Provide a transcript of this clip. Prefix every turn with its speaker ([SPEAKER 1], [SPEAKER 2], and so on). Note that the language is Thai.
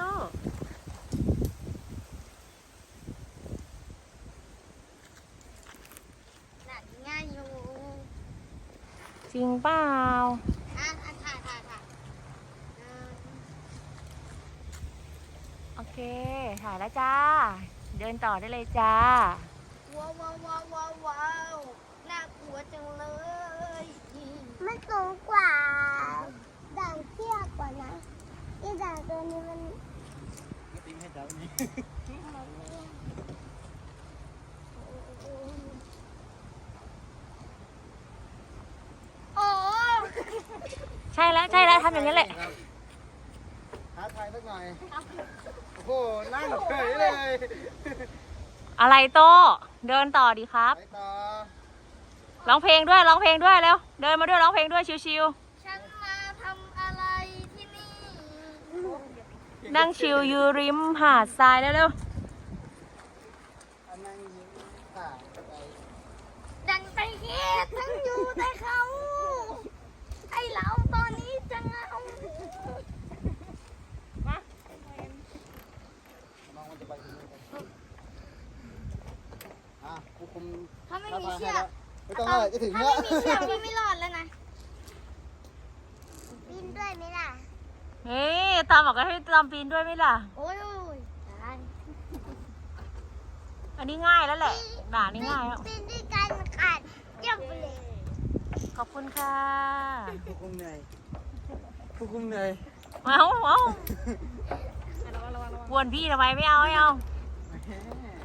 [SPEAKER 1] โต้
[SPEAKER 2] หนักง่ายอยู่
[SPEAKER 1] จริงเปล่า
[SPEAKER 2] ถ่าย
[SPEAKER 1] โอเคถ่ายแล้วจ้าเดินต่อได้เลยจ้า
[SPEAKER 2] ว้าวว้าวว้าวว้าวว้าวน่ากลัวจังเลยมันสูงกว่าด่างเตี้ยกว่านะไอ้ด่างตัวนี้มัน
[SPEAKER 3] ไม่ติ้งให้จับนี้
[SPEAKER 2] โอ้
[SPEAKER 1] ใช่แล้วทำอย่างนี้แหละ
[SPEAKER 3] ท้าทายสักหน่อยโอ้โหนั่งเฉยเลย
[SPEAKER 1] อะไรโต้เดินต่อดีครับ
[SPEAKER 3] ไปต่อ
[SPEAKER 1] ร้องเพลงด้วยเร็วเดินมาด้วยร้องเพลงด้วยชิว
[SPEAKER 2] ฉันมาทำอะไรที่นี่
[SPEAKER 1] ๆนั่งชิลอยู่ริมหาดทรายเร็ว
[SPEAKER 3] อันนั่งยิ้มค่ะไป
[SPEAKER 2] ดันไปเฮ็ดทั้งอยู่แต่เขาไอเราตอนนี้จะเหงา
[SPEAKER 3] น้องมันจะไปที่นี่กันผู้คุม
[SPEAKER 2] ถ้าไม่มีเชือก
[SPEAKER 3] ไม่ต้องอะไรจะถึง
[SPEAKER 2] ถ้า
[SPEAKER 3] แล้ว
[SPEAKER 2] ไม่มีเชือกพี่ไม่รอดแล้วนะปีนด้วยไหมล่ะ
[SPEAKER 1] ๆนี่ตามบอกให้ตามปีนด้วยไหมล่ะ
[SPEAKER 2] โอ้ยตาย
[SPEAKER 1] อันนี้ง่ายแล้วแหละด่านี่ง่ายแล้ว
[SPEAKER 2] ปีนด้วยกันขาดเจ้าไปเลย
[SPEAKER 1] ขอบคุณค่ะ
[SPEAKER 3] ผู้คุมเหนื่อยผู้คุมเหนื่อย
[SPEAKER 1] เอากวนพี่ทำไมไม่เอา